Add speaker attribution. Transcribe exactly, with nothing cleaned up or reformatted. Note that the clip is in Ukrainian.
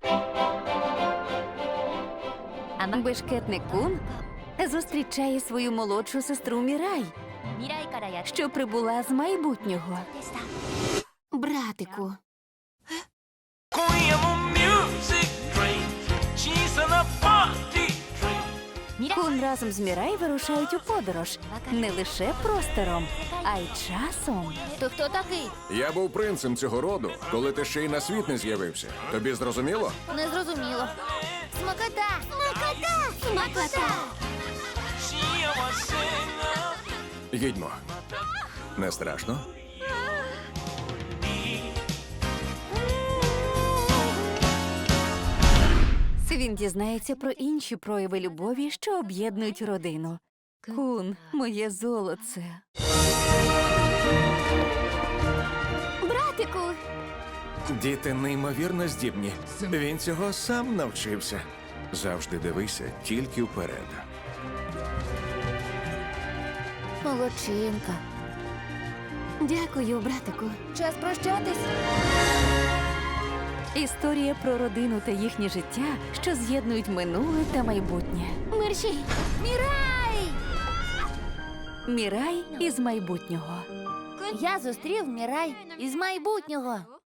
Speaker 1: Бешкетник Кун зустрічає свою молодшу сестру Мірай, що прибула з майбутнього.
Speaker 2: Братику,
Speaker 3: 今夜もミュージックドリンク小さなパーティー
Speaker 1: Кун разом з Мірай вирушають у подорож не лише простором, а й часом.
Speaker 2: то хто такий?
Speaker 4: Я був принцем цього роду, коли ти ще й на світ не з'явився. Тобі зрозуміло?
Speaker 2: Не зрозуміло. Смакота! Смакота! Смакота!
Speaker 3: 幸せな
Speaker 4: Їдьмо. Не страшно?
Speaker 1: Він дізнається про інші прояви любові, що об'єднують родину. Кун, моє золоце.
Speaker 2: Братику!
Speaker 4: Діти неймовірно здібні. Він цього сам навчився. Завжди дивися тільки вперед.
Speaker 2: Молодчинка.
Speaker 1: Дякую, братику.
Speaker 2: Час прощатись.
Speaker 1: Історія про родину та їхнє життя, що з'єднують минуле та майбутнє.
Speaker 2: Мерші! Мірай!
Speaker 1: Мірай із майбутнього.
Speaker 2: Я зустрів Мірай із майбутнього.